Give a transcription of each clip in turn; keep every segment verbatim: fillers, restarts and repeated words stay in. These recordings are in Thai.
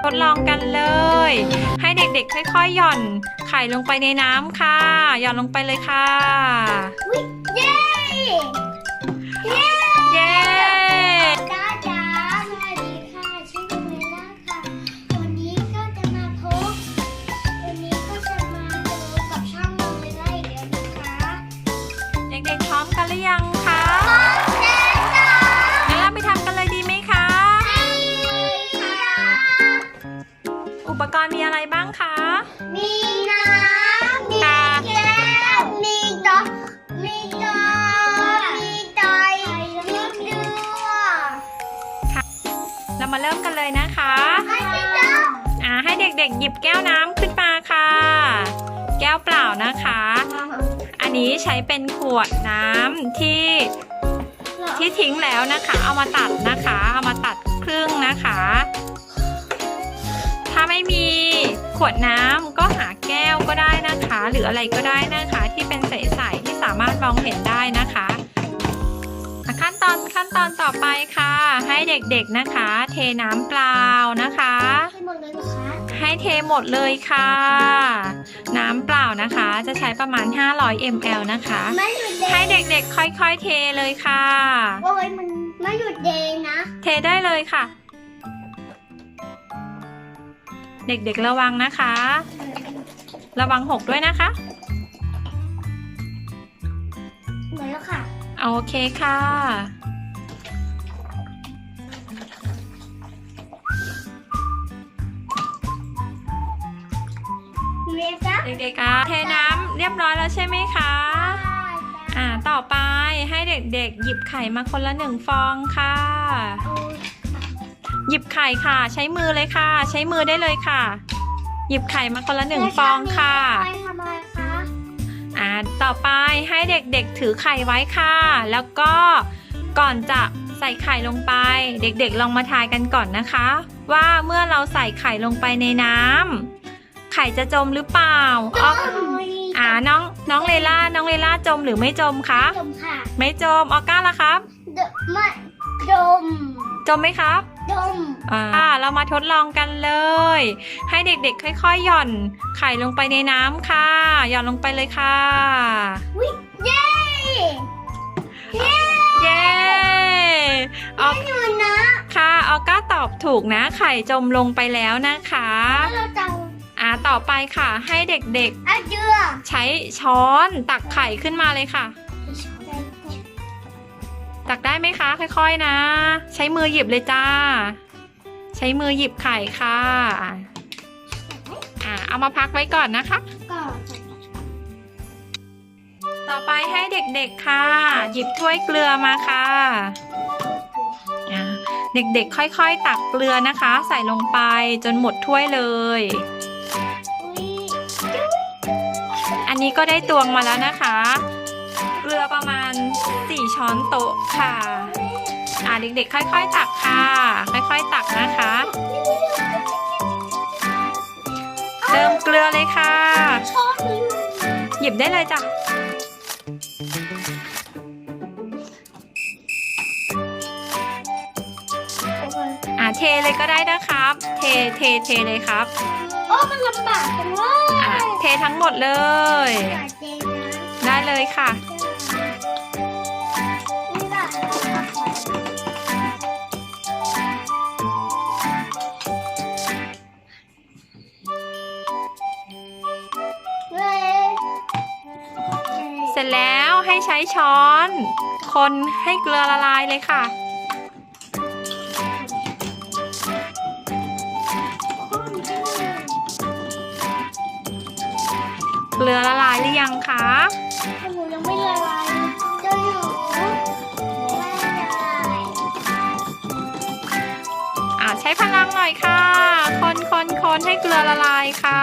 ทดลองกันเลย ให้เด็กๆค่อยๆหย่อนไข่ลงไปในน้ำค่ะหย่อนลงไปเลยค่ะเย้เย้เย้จ้าจ๋าสวัสดีค่ะชื่อเมล่าค่ะวันนี้ก็จะมาพบวันนี้ก็จะมาดูกับช่องเมล่าอีกแล้วนะคะเด็กๆพร้อมกันหรือยังคะพร้อมแล้วจ้างั้นเราไปทำกันเลยดีไหมคะอุปกรณ์มีอะไรบ้างคะมีน้ำมีแก้วมีดอกมีดอกมีไตมีเกลือเรามาเริ่มกันเลยนะคะอ่าให้เด็กๆหยิบแก้วน้ำขึ้นมาค่ะแก้วเปล่านะคะอันนี้ใช้เป็นขวดน้ำที่ที่ทิ้งแล้วนะคะเอามาตัดนะคะเอามาตัดครึ่งนะคะถ้าไม่มีขวดน้ำก็หาแก้วก็ได้นะคะหรืออะไรก็ได้นะคะที่เป็นใสๆที่สามารถมองเห็นได้นะคะขั้นตอนขั้นตอนต่อไปค่ะให้เด็กๆนะคะเทน้ำเปล่านะคะให้เทหมดเลยค่ะน้ำเปล่านะคะจะใช้ประมาณห้าร้อยมิลลิลิตร นะคะให้เด็กๆค่อยๆเทเลยค่ะโอ้ยมันไม่หยุดเดย์นะเทได้เลยค่ะเด็กๆระวังนะคะระวังหกด้วยนะคะหมดแล้วค่ะโอเคค่ะเด็กๆเทน้ำเรียบร้อยแล้วใช่ไหมคะอ่าต่อไปให้เด็กๆหยิบไข่มาคนละหนึ่งฟองค่ะหยิบไข่ค่ะใช้มือเลยค่ะใช้มือได้เลยค่ะหยิบไข่มาคนละหนึ่งฟองค่ะอ่าต่อไปให้เด็กๆถือไข่ไว้ค่ะแล้วก็ก่อนจะใส่ไข่ลงไปเด็กๆลองมาทายกันก่อนนะคะว่าเมื่อเราใส่ไข่ลงไปในน้ำไข่จะจมหรือเปล่าอ๋ออ่าน้องน้องเลล่าน้องเลล่าจมหรือไม่จมคะจมค่ะไม่จมออก้าล่ะครับไม่จมจมไหมครับจมอ่าเรามาทดลองกันเลยให้เด็กๆค่อยๆหย่อนไข่ลงไปในน้ำค่ะหย่อนลงไปเลยค่ะเย้เย้เย้ออกอยู่นะค่ะออก้าตอบถูกนะไข่จมลงไปแล้วนะคะเราจะอ่าต่อไปค่ะให้เด็กๆใช้ช้อนตักไข่ขึ้นมาเลยค่ะตักได้ไหมคะค่อยๆนะใช้มือหยิบเลยจ้าใช้มือหยิบไข่ค่ะอ่าเอามาพักไว้ก่อนนะคะต่อไปให้เด็กๆค่ะหยิบถ้วยเกลือมาค่ะอ่าเด็กๆค่อยๆตักเกลือนะคะใส่ลงไปจนหมดถ้วยเลยอันนี้ก็ได้ตวงมาแล้วนะคะเกลือประมาณสี่ช้อนโต๊ะค่ะอ่าเด็กๆค่อยๆตักค่ะค่อยๆตักนะคะเติมเกลือเลยค่ะหยิบได้เลยจ้ะอ่าเทเลยก็ได้นะครับเทเทเทเลยครับโอ้มันลำบากจังเลยอ่าเททั้งหมดเลยได้เลยค่ะเสร็จแล้วให้ใช้ช้อนคนให้เกลือละลายเลยค่ะเกลือละลายหรือยังคะหนูยังไม่ละลายจะอยู่ไม่ละลายอ่าใช้พลังหน่อยค่ะคนคนคนให้เกลือละลายค่ะ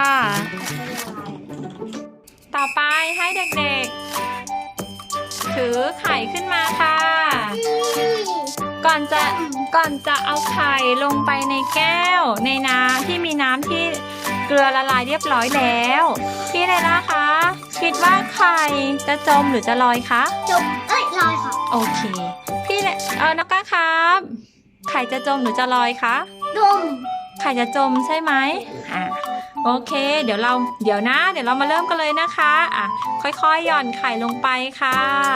ต่อไปให้เด็กๆถือไข่ขึ้นมาค่ะก่อนจะก่อนจะเอาไข่ลงไปในแก้วในน้ำที่มีน้ำที่เกลือละลายเรียบร้อยแล้วพี่เลล่าคะคิดว่าไข่จะจมหรือจะลอยคะจมเอ้ยลอยค่ะโอเคพี่เลเออน้องก้าครับไข่จะจมหรือจะลอยคะจมไข่จะจมใช่ไหมอ่ะโอเค เดี๋ยวเราเดี๋ยวนะ เดี๋ยวเรามาเริ่มกันเลยนะคะอ่ะค่อยๆหย่อนไข่ลงไปค่ะ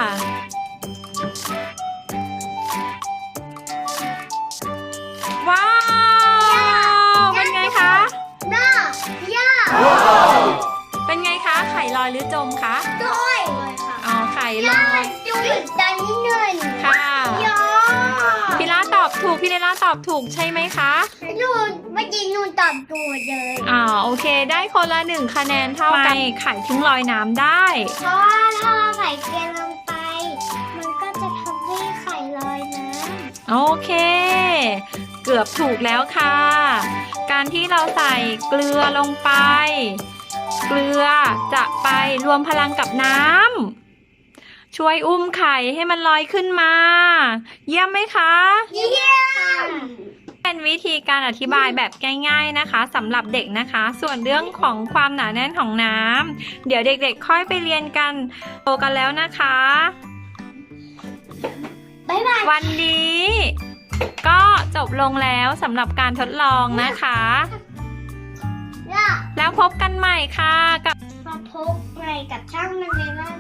ว้าวเป็นไงคะน่าย่าเป็นไงคะไข่ลอยหรือจมคะด้วยอ๋อไข่ลย่าอยดูอีกตอนนี้หนึ่งค่ะย่าพี่ล่าตอบถูกพี่เลล่าตอบถูกใช่ไหมคะนูนเมื่อกี้นูนตอบถูกเลยอ่าโอเค ได้คนละหนึ่งคะแนนเท่ากันไข่ถึงลอยน้ำได้เพราะว่าถ้าเราใส่เกลือลงไป มันก็จะทำให้ไข่ลอยน้โอเค เกือบถูกแล้วค่ะ การที่เราใส่เกลือลงไป เกลือจะไปรวมพลังกับน้ำช่วยอุ้มไข่ให้มันลอยขึ้นมา เยี่ยมไหมคะำเยี่ยมเป็นวิธีการอธิบายแบบง่ายๆนะคะสำหรับเด็กนะคะ ส่วนเรื่องของความหนาแน่นของน้ำเดี๋ยวเด็กๆค่อยไปเรียนกันโตกันแล้วนะคะบ๊ายบายวันนี้ก็จบลงแล้วสำหรับการทดลองนะคะย่าแล้วพบกันใหม่ค่ะกับมาพบใหม่กับช่างมันเลยว่า